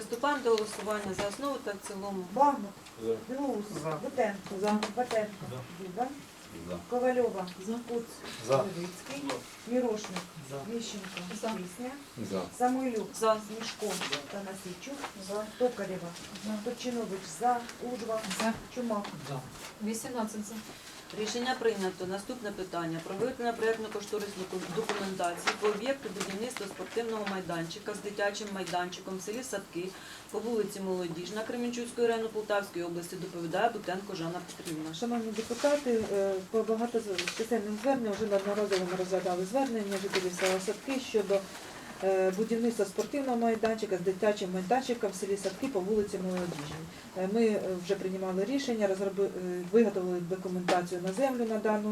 Приступаємо до голосування за основу та в цілому. Багнут, За. Білоус, За. Бутенко, Батенко, Дзюба, За. Ковальова, Куц, За. Левицький, Мірошник, За. Міщенко, За. Пісня, За. Самойлюк, За. Смішко, Танасійчук, Токарєва, Турчинович, За, Ужва, Чумак. 18 за. Рішення прийнято. Наступне питання. Про виготовлення проєктно-кошторисної документації по об'єкту будівництва спортивного майданчика з дитячим майданчиком в селі Садки по вулиці Молодіжна Кременчуцького району Полтавської області доповідає Бутенко Жанна Петрівна. Шановні депутати, по багаточисельним зверненням вже неодноразово ми розглядали звернення жителів села Садки щодо будівництва спортивного майданчика з дитячим майданчиком в селі Садки по вулиці Молодіжній. Ми вже приймали рішення, виготовили документацію на землю на дану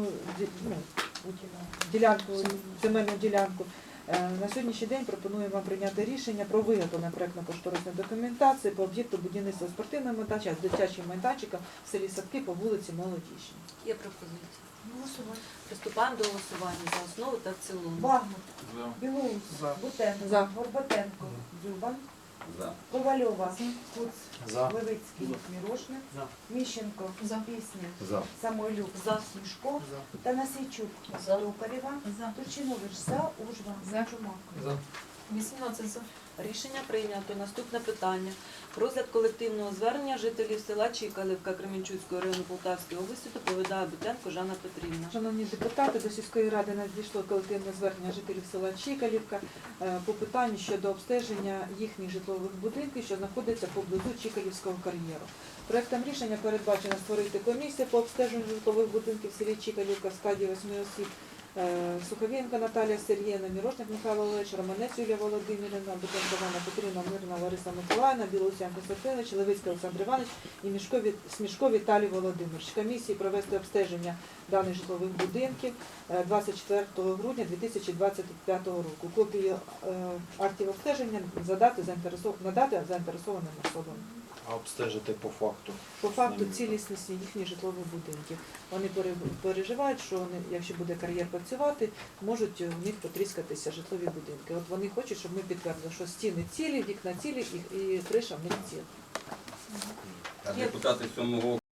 ділянку, земельну ділянку. На сьогоднішній день пропонуємо вам прийняти рішення про виготовлення проєктно-кошторисної документації по об'єкту будівництва спортивного майданчика з дитячим майданчиком в селі Садки по вулиці Молодіжній. Є пропозиція. Приступаємо до голосування за основу та в цілому. Багнут, За. Білоус, Бутенко, За. Горбатенко, Дзюба, За. Ковальова, Куц, За. Левицький, Мірошник, Міщенко, За. Пісня, За. Самойлюк, За. Смішко, Танасійчук, Токарєва, Турчинович, За, Ужва, За. Чумак. 18 за. Рішення прийнято. Наступне питання. Про розгляд колективного звернення жителів села Чікалівка Кременчуцького району Полтавської області доповідає Бутенко Жанна Петрівна. Шановні депутати, до сільської ради надійшло колективне звернення жителів села Чікалівка по питанню щодо обстеження їхніх житлових будинків, що знаходяться поблизу Чікалівського кар'єру. Проектом рішення передбачено створити комісію по обстеженню житлових будинків в селі Чікалівка в складі 8 осіб. Суховєнко Наталія Сергіївна, Мірошник Михайло Олегович, Романець Юлія Володимирівна, Бутенко Жанна Петрівна, Мирна Лариса Миколаївна, Білоусян Костянтинович, Левицький Олександр Іванович і Смішко Віталій Володимирович. Комісії провести обстеження даних житлових будинків 24 грудня 2025 року. Копію актів обстеження надати заінтересованим особам. А обстежити по факту? По факту цілісності їхніх житлових будинків. Вони переживають, що вони, якщо буде кар'єр працювати, можуть у них потріскатися житлові будинки. От вони хочуть, щоб ми підтвердили, що стіни цілі, вікна цілі і криша в них ціла. Депутати 7-го